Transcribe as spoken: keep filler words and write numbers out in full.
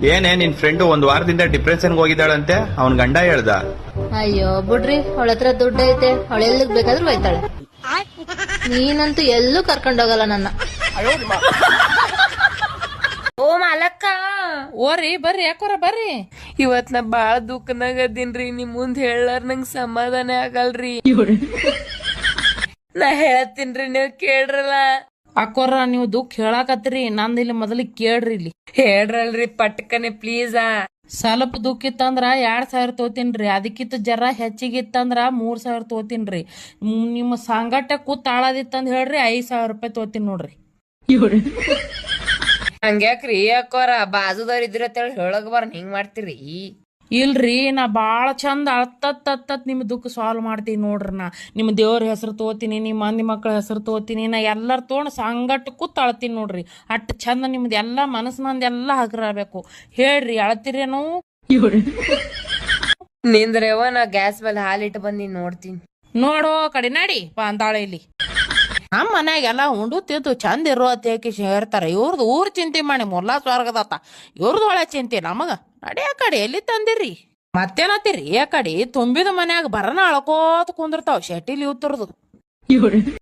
ಏನೇ ನಿನ್ ಫ್ರೆಂಡ್ ಒಂದ್ ವಾರದಿಂದ ಡಿಪ್ರೆಷನ್ಗೆ ಹೋಗಿದ್ದಾಳಂತೆ ಅವನ್ ಗಂಡ ಹೇಳ್ದ. ಅಯ್ಯೋ ಬಿಡ್ರಿ, ಅವಳ ಹತ್ರ ದುಡ್ಡು ಐತೆ, ಅವಳ ಎಲ್ಲಿಗ್ ಬೇಕಾದ್ರೂ ಹೋಯ್ತಾಳೆ. ನೀನಂತೂ ಎಲ್ಲೂ ಕರ್ಕೊಂಡೋಗಲ್ಲ ನನ್ನ. ಓ ಮಾಲಕ್ಕ ಓರಿ ಬರ್ರಿ, ಯಾಕೋರ ಬರ್ರಿ. ಇವತ್ ನಾ ಬಾಳ ದುಃಖನಾಗ ಅದೀನ್ರಿ. ನಿಮ್ ಮುಂದ್ ಹೇಳಾರ ನಂಗ್ ಸಮಾಧಾನ ಆಗಲ್ರಿ. ನಾ ಹೇಳತ್ತೀನ್ರಿ, ನೀವ್ ಕೇಳ್ರಲ್ಲ. ಅಕ್ಕೋರ ನೀವು ದುಃಖ ಹೇಳಾಕತ್ರಿ, ನಂದ್ ಇಲ್ಲಿ ಮೊದಲಿಗೆ ಕೇಳ್ರಿ. ಇಲ್ಲಿ ಹೇಳ್ರಲ್ರಿ ಪಟ್ಕನೆ ಪ್ಲೀಸ. ಸ್ವಲ್ಪ ದುಃಖ ಇತ್ತಂದ್ರ ಎರಡ್ ಸಾವಿರ ತೋತೀನ್ರಿ, ಅದಕ್ಕಿಂತ ಜರ ಹೆಚ್ಚಿಗಿತ್ತಂದ್ರ ಮೂರ್ ಸಾವಿರ ತೋತೀನ್ರಿ. ನಿಮ್ಮ ಸಂಗಟ ಕೂತ್ ಆಳದಿತ್ತಂದ್ ಹೇಳ್ರಿ ಐದ್ ಸಾವಿರ ರೂಪಾಯಿ ತೋತೀನಿ ನೋಡ್ರಿ. ಹಂಗ್ಯಾಕ್ರಿ ಯಾಕೋರ ಬಾಜುದವ್ರ ಇದ್ರ ಹೇಳಕ್ ಬರ ಹಿಂಗ್ ಮಾಡ್ತೀರಿ? ಇಲ್ರಿ, ನಾ ಬಾಳ ಚಂದ ಅಳ್ತತ್ ಅತ್ತತ್ ನಿಮ್ ದುಃಖ ಸಾಲ್ವ್ ಮಾಡ್ತೀನಿ ನೋಡ್ರಿ. ನಾ ನಿಮ್ ದೇವ್ರ ಹೆಸರು ತೋತೀನಿ, ನಿಮ್ ಮಂದಿ ಮಕ್ಕಳ ಹೆಸರು ತೋತೀನಿ, ನಾ ಎಲ್ಲಾರ ತೊಗೊಂಡ್ ಸಂಗಟ ಕೂತ್ ಅಳ್ತೀನಿ ನೋಡ್ರಿ. ಅಟ್ ಚಂದ ನಿಮ್ದು ಎಲ್ಲಾ ಮನಸ್ಸಿನಂದ ಎಲ್ಲಾ ಹಗರಬೇಕು. ಹೇಳ್ರಿ, ಅಳ್ತೀರೇನು? ನಿಂದ್ರವ ನಾ ಗ್ಯಾಸ್ ಮೇಲೆ ಹಾಲಿಟ್ಟು ಬಂದಿ ನೋಡ್ತೀನಿ. ನೋಡೋ ಕಡೆ ನಡಿ ಅಂತಾಳೆ ಇಲ್ಲಿ. ನಮ್ಮ ಮನ್ಯಾಗೆಲ್ಲ ಉಂಡು ತಿದ್ದು ಚಂದ ಇರೋ ಅತ್ಯಾಕಿ ಹೇಳ್ತಾರ. ಇವ್ರದ್ದು ಊರ್ ಚಿಂತೆ ಮಾಡಿ ಮೊಲ್ಲಾ ಸ್ವರ್ಗದತ್ತ, ಇವ್ರದ್ದು ಒಳ್ಳೆ ಚಿಂತೆ ನಮಗ. ನಡಿ ಆ ಕಡೆ ಎಲ್ಲಿ ತಂದಿರಿ ಮತ್ತೇನತ್ತೀರಿ? ಆ ಕಡೆ ತುಂಬಿದ ಮನ್ಯಾಗ ಬರನ ಅಳ್ಕೋತ ಕುಂದಿರ್ತಾವ ಶೆಟ್ಟಿಲಿ ಇವ್ತರದು.